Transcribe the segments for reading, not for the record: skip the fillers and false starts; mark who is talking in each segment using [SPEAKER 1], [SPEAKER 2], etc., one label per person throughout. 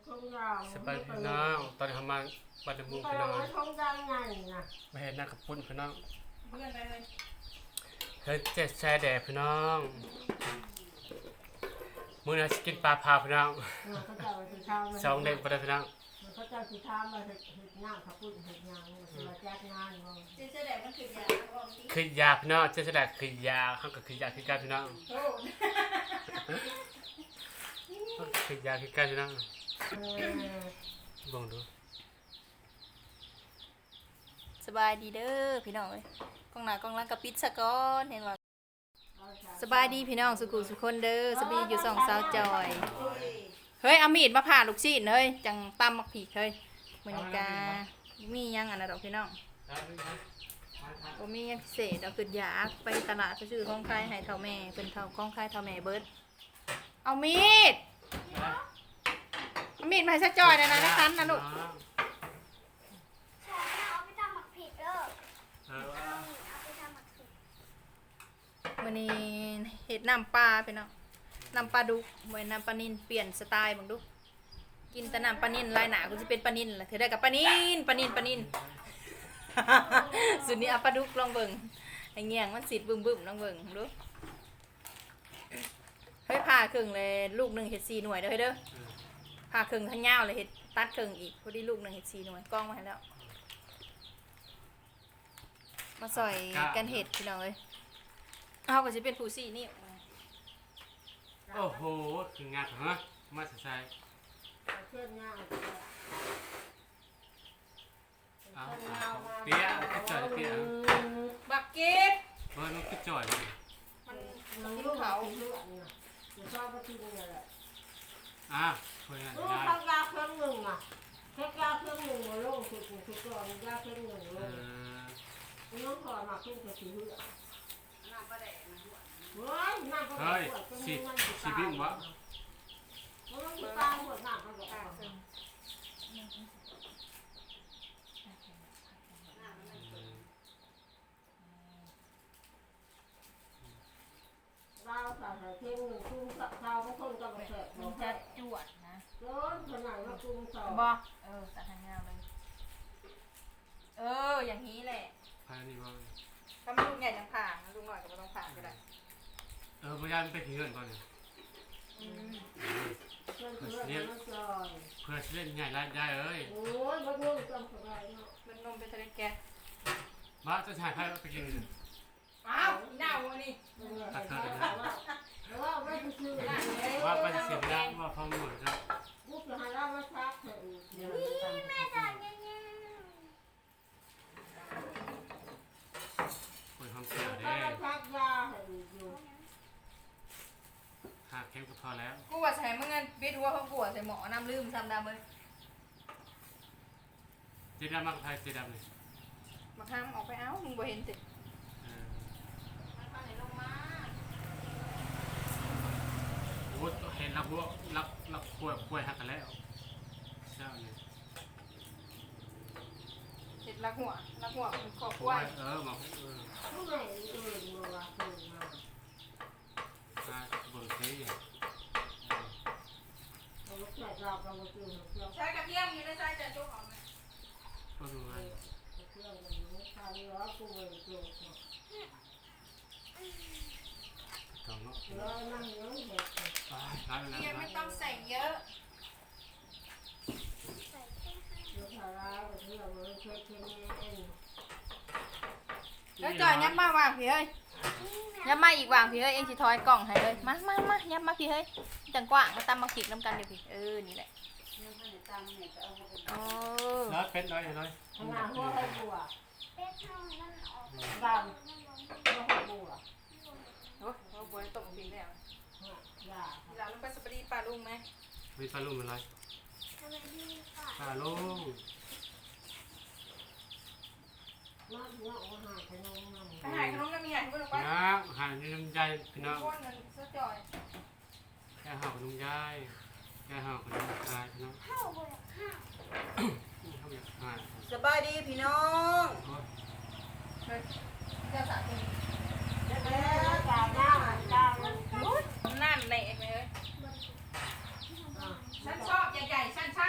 [SPEAKER 1] สบายพี่น้องตอนนี้เขามาบ้านมุงพี่น้องมาเห็นหน้ากระปุ้นพี่น้องเฮ้ยเจ็ดแช่แดดพี่น้องมื้อนี้สกินปลาพาพี่น้องสองเด็กไปเลยพี่น้อง
[SPEAKER 2] เขาจะสิทามมาเฮ็ดงานเขาพูดเฮ็ดงานมาจัดงานบ่
[SPEAKER 3] เจ๊แดงมันคือยา
[SPEAKER 1] คือยาพี่น้องเจ็ดแช่แดดคือยาเขาก็คือยาคือกันพี่น้องคือยาคือกันพี่น้องลองดู
[SPEAKER 3] สบายดีเด้อพี่น้องเอ้ยกล้องหน้ากล้องหลังกับปิดซะก่อนเห็นว่าสบายดีพี่น้องสุขุสุคนเด้อสบายอยู่สองสาวจอยเฮ้ยเอามีดมาผ่าลูกชิ้นเฮ้ยจังตำมักผีเฮ้ยมื้อนี้กามียังอันน่ะดอกพี่น้องบ่มียังพิเศษเอาขึ้นอยากไปตลาดไปซื้อของขายให้เฒ่าแม่เพิ่นเฒ่าของขายเฒ่าแม่เบิดเอามีดเอามีดมาให้ซะจอยได้นะในคันนะลูกมื้อนี้เฮ็ดน้ำปลาพี่น้องน้ำปลาดุกเหมือนน้ำปลานิ่นเปลี่ยนสไตล์บังดูกินแต่น้ำปลานิ่นลายหนากูจะเป็นปลานิ่นล่ะเธอได้กับปลานิ่น สุดนี้เอาปลาดุกลองเบิ่งไอ้เงี้ยงมันสิบึ้มลองเบิ่งดูเฮ้ยผ่าครึ่งเลยลูกหนึ่งเห็ด4 หน่วยเด้อเฮ้ยเด้อผ่าครึ่งทั้งยาวเลยเห็ดตัดครึ่งอีกพอดีลูกหนึ่งเห็ด4 หน่วยกล้องมาให้แล้วมาใส่กันเห็ดพี่น้องเลยเอาก็จะเป็นผู้4 นิ้ว
[SPEAKER 1] โอ้โหคืองานเหรอมาใส่
[SPEAKER 2] เพื่อนงาน
[SPEAKER 1] เอาเปี๊ยะก็จ่อยเปี๊ยะ
[SPEAKER 3] บักเก็ต
[SPEAKER 1] มันก็จ่อย
[SPEAKER 3] มันลูกเขา
[SPEAKER 2] จะชอบก็ที่นี่แหละ
[SPEAKER 1] คนงาน
[SPEAKER 2] ลูกเขายาเครื่องหนึ่งอ่ะแค่ยาเครื่องหนึ่งมาลงคือก่อนยาเครื่องหนึ่งลงน้องขอมาขึ้นกับสีเหลืองเฮ้ย
[SPEAKER 1] ชีวิตวะ
[SPEAKER 2] เราใส่เทียมหนึ่งคุ้มกับข้าวก็คนกับเสร็จมันจะจวดนะร้อนขนาดว่าคุ้มสอง
[SPEAKER 3] บ่ตัดทางยาวเลยอย่างนี้แหละ
[SPEAKER 1] พานี่ว่า
[SPEAKER 3] ถ้ามันลูกใหญ่ยังผ่าลูกหน่อยก็ไม่ต้องผ่าก็ได้
[SPEAKER 1] พยายามไปผีเงินก่อนเนี่ยเพื่อเล่นใหญ่ร้านใหญ่เอ้ย
[SPEAKER 2] โอ้ยมันนุ่มจังเลยเนาะ
[SPEAKER 3] มันนมเป็นทะเลแก๊ส
[SPEAKER 1] มาจะถ่ายใครไปกิน
[SPEAKER 3] อ้าวหน้าวัวนี่
[SPEAKER 2] ว่าไม่ได้ซื้อ
[SPEAKER 1] ว่าไปเสียงดังว่าฟังหมดครับ
[SPEAKER 2] ลูกจะให้เรามาชักเถอะ
[SPEAKER 3] แม่สอนยัง
[SPEAKER 1] คนทำเสียเด้
[SPEAKER 2] ชักยาให้อยู่
[SPEAKER 1] หาเข้มก็พอแล้ว
[SPEAKER 3] กูว่าใช้เมื่อไงบิดหัวเขาปวดใส่หมอน้ำลืมซ้ำดำเลย
[SPEAKER 1] เจดำมากไทยเจดำเลย
[SPEAKER 3] มาข้ามออกไปเอ้ามึงบ่เห็นสิ
[SPEAKER 1] เห็นรับป่วยหักกันแล้วเจ้าเนี่ย
[SPEAKER 3] เห็ดลักหัวมันขอบป่วย
[SPEAKER 1] มา
[SPEAKER 2] ผู้ใหญ่มาว่าคือ
[SPEAKER 1] มาเบิกซี
[SPEAKER 3] ใช้กระเทียมอยู่ในใช้จะจุกออกไหม
[SPEAKER 1] ก็ดูไงต้องเนาะ
[SPEAKER 3] ยังไม่ต้องใส่เยอะแล้วจอยยับมาวางพี่เฮ้ยยับมาอีกวางพี่เฮ้ยเองสิทอยกล่องให้เลยมายับมาพี่เฮ้ยจังกว่างมาตำมาขีดน้ำกันเดี๋ยวพี่นี่แหละ
[SPEAKER 1] แล้วเป็นน้อย
[SPEAKER 2] ขนาดหัวให้บัวดำหัวให้บัว
[SPEAKER 3] หัวบัวตกปีแล้วเราลงไปสปารีปลาลุงไหม
[SPEAKER 1] มีปลาลุงอะไรปลาลุง
[SPEAKER 3] ไปหายขนมน้ำมีหายคุณลูกไป
[SPEAKER 1] หายน้ำใจพี่น้องแค่หาขนมยายแค่หาขนมยายพี่น้อง
[SPEAKER 3] สบายดีพี่น้องเจ้าสาวจริงนั่นแหละเลยฉันชอบใหญ่ๆฉันช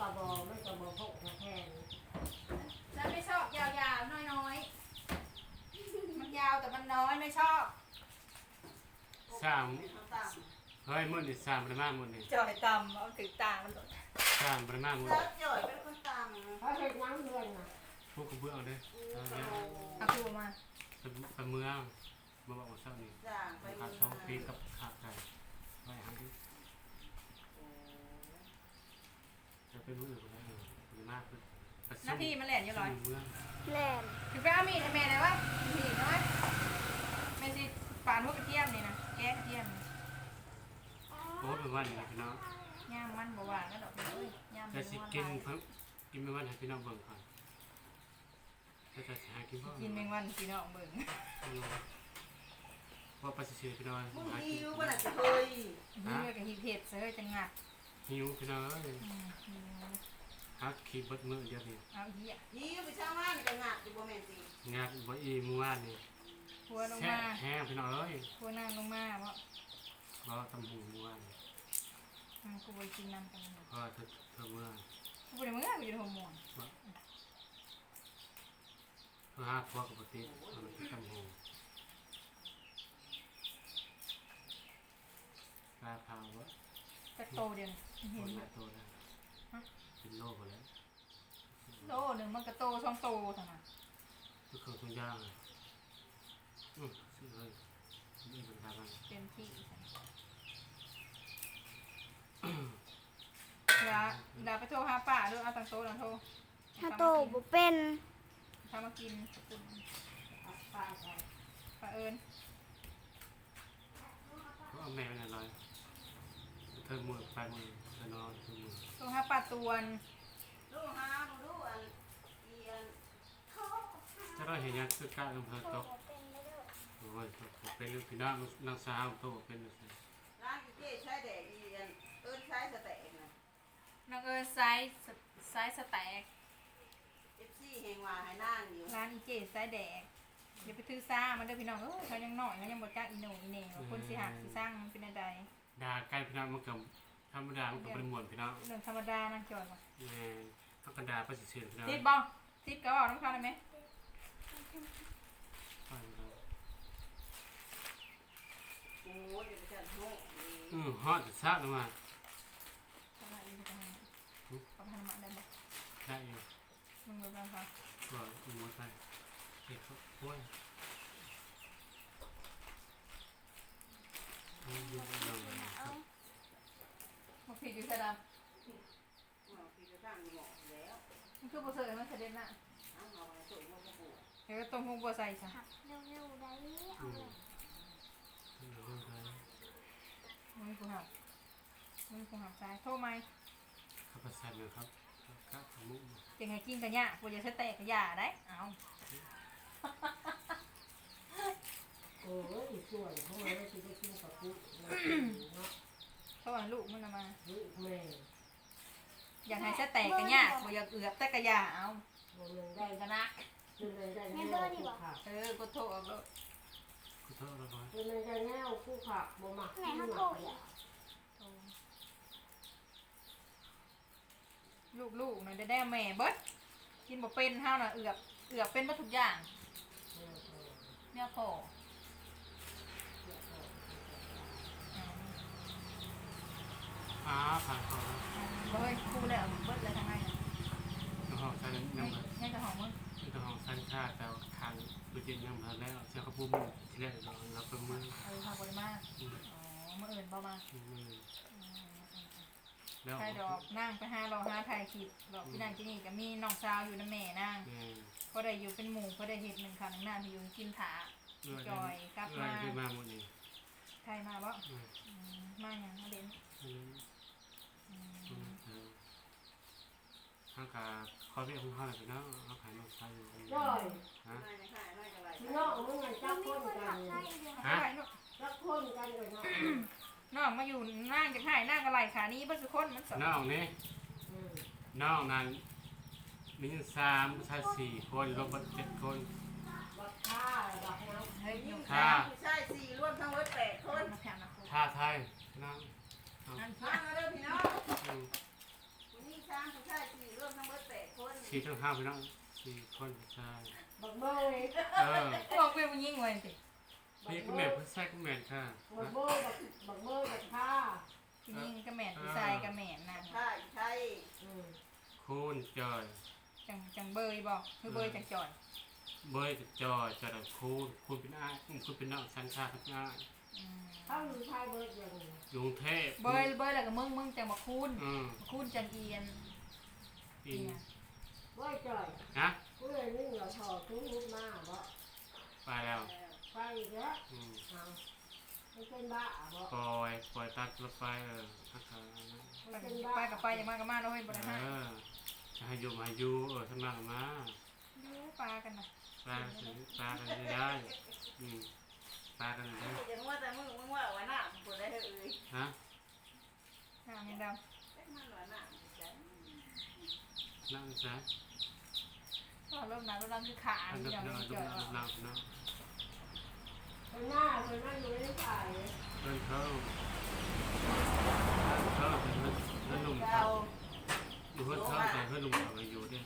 [SPEAKER 2] บ่ไม่ก็บ่พกแทน
[SPEAKER 3] ฉันไม่ชอบยาวๆน้อยๆมันยาวแต่มันน้อยไม่ชอบ
[SPEAKER 1] สามเฮ้ยมื้อนี่3ประมาณมื้อนี่
[SPEAKER 3] จ่อยตำเอาถือตามันหลด
[SPEAKER 1] 3ประมาณมื้อ
[SPEAKER 4] แล้วจ่อยเป็นคนตาม
[SPEAKER 2] เพราะเห็ดน้ำเดือนน่ะ
[SPEAKER 1] พวกกระเบื้องเด้เอาเนี่ย
[SPEAKER 3] เอาคูมา
[SPEAKER 1] ไปเมืองมาบอกว่าเช้านี้
[SPEAKER 4] จ้างไป
[SPEAKER 1] ขาดช่องปีกับขาดไก่ไว้หันดิจะเป็นมื้ออื่นก็ได้ดีมากเลย
[SPEAKER 3] หน้าที่มันแหลนอยู่ร้อย
[SPEAKER 1] เมือง
[SPEAKER 5] แล่น
[SPEAKER 3] ถือไปเอามีดให้แม่เลยวะมีดน้อยแม่สิฝานพวกกระเทียมนี่นะแก้กระเทียมนี่
[SPEAKER 1] โอ้เป็นวันนี้พี่น้อง
[SPEAKER 3] ย่างมันบ่ว่าแล้วดอกเอ้ยย่าง
[SPEAKER 1] จะ
[SPEAKER 3] มัน
[SPEAKER 1] สิ
[SPEAKER 3] บ่
[SPEAKER 1] กิน
[SPEAKER 3] ว่า
[SPEAKER 1] เพิ่งกินเป็นวันให้พี่น้องเบิ่งก่อนจะหากินบ่
[SPEAKER 3] กินแมงวันพี่น้องเบิ่ง
[SPEAKER 1] ว่าไปซื้อพี่น้อง
[SPEAKER 4] มึง
[SPEAKER 1] หา
[SPEAKER 4] หิ
[SPEAKER 1] กิน
[SPEAKER 4] วบ่น่ะจะเคย
[SPEAKER 3] นี่เลยกับฮีเผ็ดเสือจังงัด
[SPEAKER 1] หิวพี่น้องเอ้ย
[SPEAKER 3] หิว
[SPEAKER 1] หาขี้เบิดมื้อเดียวนี่
[SPEAKER 3] เอาเหี้ย
[SPEAKER 4] หิวไปช่างมันก็งัดอยู่บ่แม่นสิ
[SPEAKER 1] งานบ่อีมื้อวานนี่
[SPEAKER 3] พัวลง
[SPEAKER 1] แซ่
[SPEAKER 3] มา
[SPEAKER 1] แห้งพี่น้องเอ้ย
[SPEAKER 3] พัวนั่งลงมาเพราะ
[SPEAKER 1] บ่ตำหูมื้อวานนี่
[SPEAKER 3] กูไปกินน้ำกัน
[SPEAKER 1] เพราะเธอเมื่อ
[SPEAKER 3] กูไปเมื่อกูจะโทรมอน
[SPEAKER 1] เพื่อหาพวกกับปฏิเอาไปตำหูปลาเผาวะ
[SPEAKER 3] จะโตเดียวเห็
[SPEAKER 1] คน น
[SPEAKER 3] ไหม
[SPEAKER 1] ละตัวได้เป็นโลกหมดแล้ว
[SPEAKER 3] โตหนึ่งมันก็โตช่องโตเท่านั้น
[SPEAKER 1] ทุกคนทุกอย่างเลยซื้อเลยนี่เป็นการบ้าน
[SPEAKER 3] เต็มที่เวลาไปโทรหาป้าด้วยเอาตังโตตังโทร
[SPEAKER 5] ถ้าโตบ่เป็น
[SPEAKER 3] ทำมากิน
[SPEAKER 2] เอาไปไป
[SPEAKER 3] ป้าเอิญ
[SPEAKER 1] เพราะเอาแม่เป็นอะไรเธอมือไปมือเธอนอนเธอมือ
[SPEAKER 3] โทรหาป้าตวน
[SPEAKER 4] ลูกหาบ่รู้อันอีอัน
[SPEAKER 1] ถ้าเราเห็นยังคือการลงเธอตกโอ้ยเป็นลูกพี่น้องนางสาวโตเป็นลูก
[SPEAKER 4] ร้านอีเจ้ใช้แดกอีอันเอิ้นใช้สแต็กน่ะ
[SPEAKER 3] นางเอิญไซส์สแต็ก
[SPEAKER 4] FC แฮงว่าให้นั่งอยู่
[SPEAKER 3] ร้านอีเจไซส์แดกอย่าไปถือซ่ามันเด้อพี่น้องเขายังหน่อยเขายังบ่จักอีโหนอีเหน่ว่าคนสิหักสิสร้างมันเป็นอะไร
[SPEAKER 1] ด่าใกล้พี่น้องมันกับธรรมดามันกับเป็นมวลพี่น้อง
[SPEAKER 3] เรื่องธรรมดานะจอยว่ะ
[SPEAKER 1] แม่เขากระดาษไปเฉยๆพี่น้อง
[SPEAKER 3] ติดบ่ติดก็เอาน้ำข้าวได้ไหม
[SPEAKER 4] โอ้ยเดี๋ยวจะโหนี่
[SPEAKER 1] ฮอตซะลงมา
[SPEAKER 3] เอามาอีกทีเอาไปทำมาได้บ่
[SPEAKER 1] ได้อยู่
[SPEAKER 3] มึงรู้บ้างคะ
[SPEAKER 1] ก็มือไปเก็บโอ้ยอยู่ใน
[SPEAKER 3] บ่ผิดอยู่ใส่ด
[SPEAKER 4] เอาพี่จะตั้งหม้อแล้ว
[SPEAKER 3] ำมันคือบ่เสยมันเสด็จน่ะ
[SPEAKER 4] เอาเอาไว้ส่งมาบ่ปลูก
[SPEAKER 3] เดี๋ยวต้มหุงบ่ใส่ซะ
[SPEAKER 5] หักเร็วๆได้เอาเลย
[SPEAKER 3] มึงกูหักซ้ายโทรไหม
[SPEAKER 1] ข้าวผัดแซ่บเลยครับข้าวขามุก
[SPEAKER 3] จะให้กินกันยากบ่จะใช้แตกก็ยาได้เอา
[SPEAKER 2] โอ้ยสวยเพราะว่าเราจะได้กินกับปุ๊เนาะ
[SPEAKER 3] เพราะว่าลูกมันน่ะมา
[SPEAKER 2] ลูกแม่
[SPEAKER 3] อยากให้ใช้แตกก็ยากบ่อยากเอือบแต่ก็ยาเอา
[SPEAKER 2] มัน
[SPEAKER 3] ได้
[SPEAKER 2] ได้
[SPEAKER 3] กันนะ
[SPEAKER 2] มันได้แนวคู่ผัก
[SPEAKER 3] กูโทรเอาเลย
[SPEAKER 1] ขอโทษนะครับ
[SPEAKER 2] มันได้แนวคู่ผักบ่มัก
[SPEAKER 5] แม่
[SPEAKER 2] ที่
[SPEAKER 5] เขา
[SPEAKER 2] ห
[SPEAKER 5] โต
[SPEAKER 2] มัก
[SPEAKER 5] อีก
[SPEAKER 3] ลูกๆน่ะได้แม่เบิดกินบ่เป็นเฮาน่ะเอือบเป็นบ่ทุกอย่างเนี่ยพอ
[SPEAKER 1] ผ่านเขาแล้ว
[SPEAKER 3] เฮ้ยกูแล้วเบิดแล้วทำไมน่ะ
[SPEAKER 1] น้องหอมใส่น้ำ
[SPEAKER 3] ให้กระหองมึง
[SPEAKER 1] น้องหอมใส่ชาแต่ทางตัวจริงยังมาแล้วเจ้าข้าวปุ้มที่แรกเราเป็นมือ
[SPEAKER 3] พาบ่ได้มาอ๋อมื้ออื่นบ่มา
[SPEAKER 1] แล้ว
[SPEAKER 3] ใครดอกนั่งไปหารอหาถ่ายคลิปดอกพี่นางที่นี่ก็มีน้องสาวอยู่นำแม่นางก็ได้อยู่เป็นหมู่ก็ได้เฮ็ดหนึ่งข้าวหนึ่งหน้ามีอยู่กินถาจอยกลับมา
[SPEAKER 1] ได้มาหมดนี่
[SPEAKER 3] ใครมาบ่มาหยังมาเด่น
[SPEAKER 1] ข้างกาคอยเรียกคุณพ่อเลยนะเอาขายนกชายอยู่
[SPEAKER 2] ย่อย
[SPEAKER 1] ฮะ
[SPEAKER 4] ไม่ได้ขายไม่ก็ไร
[SPEAKER 2] พี่น้องมึงไงจับคนกัน
[SPEAKER 3] ฮะ
[SPEAKER 2] จับคนกันเลยเนาะ
[SPEAKER 3] น้องมาอยู่นั่งจะให้นั่งอะไรขานี้บ่สุคนมันสอน
[SPEAKER 1] น้องนี่น้องนั้นมี3ชาย4คนรวมเป็น7คน
[SPEAKER 2] บักข้าบักน้ำ
[SPEAKER 3] เฮ้ยอยู่
[SPEAKER 1] ค่ะ
[SPEAKER 4] ผู้ชาย4รวมทั้งหมด8คน
[SPEAKER 3] มาแผ่นนะ
[SPEAKER 1] ท่าไทยน้อง
[SPEAKER 3] นั่น
[SPEAKER 4] มาเด้อพี่น้องผู้หญิง3ผู้ชาย
[SPEAKER 1] 4ทั้ง5พี่น้อง4คนใช่
[SPEAKER 2] บักเบย
[SPEAKER 3] บอกเป็นผู้หญิงไว้สิ
[SPEAKER 1] พี่ก็แม่ผู้ชายก็แม่ค่ะ
[SPEAKER 2] บักเบยบักเบยบักผ้า
[SPEAKER 3] ผู้หญิงก็แม่นผู้ชายก็แม่นนะ
[SPEAKER 4] ใช่ใช่
[SPEAKER 1] คูณจอย
[SPEAKER 3] จังเบยบอกคือเบยจังจ่อย
[SPEAKER 1] เบยกับจอยจอยกับคูณเป็นอ้ายคูณเป็นน้องชั้นชาทั้งอ้าย
[SPEAKER 2] ถ้ามึงชายเบยอย่าง
[SPEAKER 1] อยู่กรุงเทพ
[SPEAKER 3] เบยแล้วก็มึงจังมาคูน
[SPEAKER 1] อืม
[SPEAKER 3] คูนจังเอียน
[SPEAKER 1] อิน
[SPEAKER 2] เบยจ่อย
[SPEAKER 1] นะ
[SPEAKER 2] กูเลยนึ่งเราถอดทุกมุดมาบ่
[SPEAKER 1] ไปแล้ว
[SPEAKER 2] ไปอีกแล้ว
[SPEAKER 1] อืม
[SPEAKER 2] เอาไม่เป็นบ้าบ่
[SPEAKER 1] ปล่อยตัดรถไฟทักทายนะ
[SPEAKER 2] ไม่เป็นบ้า
[SPEAKER 3] ไปกับไปอย่างมากกับมาแล้วเฮ้ยบ่ได้
[SPEAKER 1] เอ
[SPEAKER 3] ฮะ
[SPEAKER 1] อจะให้อยู่มาอยู่ทำงานมา
[SPEAKER 3] ดูปลากันนะ
[SPEAKER 1] ปลากันได้ปลากันได้
[SPEAKER 4] ยังว่าแต่มึงว่าวันหน้ามึงคนได้เอ้ย
[SPEAKER 1] ฮะ
[SPEAKER 3] น้ำยังด
[SPEAKER 4] เป็นมันวันหน้า
[SPEAKER 1] นั่งซะ
[SPEAKER 3] ำก็เริ่มน้ำเริ่มคือขา
[SPEAKER 1] อัน
[SPEAKER 3] ที่
[SPEAKER 1] ดับ
[SPEAKER 3] เรา
[SPEAKER 1] หนึ่ง
[SPEAKER 3] เจอ
[SPEAKER 1] นั่ง
[SPEAKER 2] คนหน้าคนนั่งอยู่ในฝ่าย
[SPEAKER 1] เดินเข้าเดินหนุ่ม
[SPEAKER 4] เรา
[SPEAKER 1] อยู่เพื่อนเข้าแต่เพื่อนหนุ่มเขาอยู่เนี่ย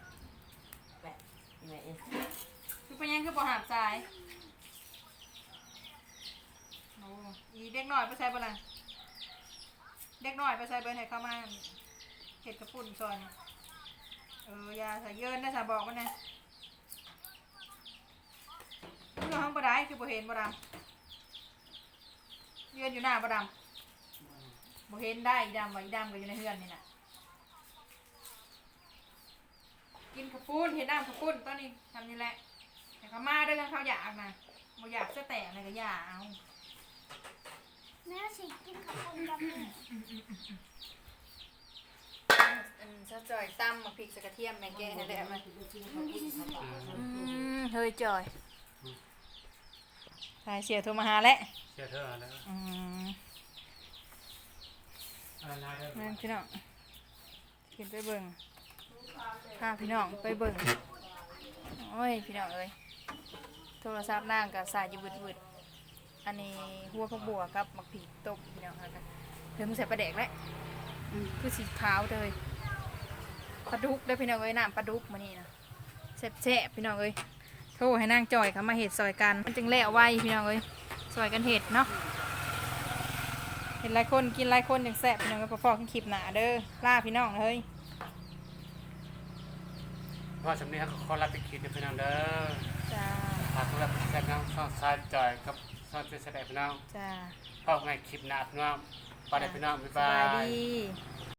[SPEAKER 3] คือเป็นยังคือบ่หาบใจโอ้อีเด็กน้อยไปใส่บ่ล่ะเด็กน้อยไปใส่เบิ่นให้เข้ามาเห็ดกระปุ่นซอยยาใส่เยินนะสาบอกมันนะคือห้องบ่ได้คือบ่เห็นบ่ดำเยือนอยู่หน้าบ่ดำบ่เห็นได้อีดำว่าอีดำก็อยู่ในเฮือนนี่น่ะกินกระปุ้นเห็นน้ำกระปุ้นตอนนี้ทำนี่แหละแต่เขามาด้วยกันเขาอยากนะบ่อยากจะแตะอะไรก็อย่าเอา
[SPEAKER 5] แม่สิกินข้าวปุ้นกับแม่
[SPEAKER 3] ซะจ่อยตำมาพริกใส่กระเทียมแม่แกให้แล้วมัน
[SPEAKER 2] เ
[SPEAKER 3] เฮ้ยจ่อยสายเสียโทรมาหาแล้ว
[SPEAKER 1] เชื่อเธอแล้ว อะไรได้
[SPEAKER 3] แม่พี่น้องกินไปเบิ่งพาพี่น้องไปเบิ่งโอ้ยพี่น้องเอ้ยโทรศัพท์นางกับสายอยู่วืดๆอันนี้หัวผักบัวกับมักผีต้มพี่น้องแล้วกันเดี๋ยวมึงใส่ปลาแดกแล้วคือสีขาวเลยปลาดุกได้อพี่น้องเอ้ยน้ำปลาดุกมานี่นะแซ่บๆพี่น้องเอ้ยโทรให้นางจอยเขามาเห็ดซอยกันมันจึงแล้วไวพี่น้องเอ้ยซอยกันเห็ดเนาะเห็นหลายคนกินหลายคนอย่างแซ่บพี่น้องเอ้ยพอๆกันคลิปหนาเด้อล่าพี่น้องเฮ้ย
[SPEAKER 1] พ่อสำเนียงขอรับไปคิดนะพี่น้องเด้อ
[SPEAKER 3] จ้า
[SPEAKER 1] ฝากรับแซงน้องซ่อนซายจอยกับซ่อนเป็นแสดงพี่น้อง
[SPEAKER 3] จ้า
[SPEAKER 1] พ่อไงคลิปหน้าพี่น้องไปเลยพี่น้องบ๊าย
[SPEAKER 3] ส
[SPEAKER 1] บา
[SPEAKER 3] บาย
[SPEAKER 1] ย
[SPEAKER 3] ดี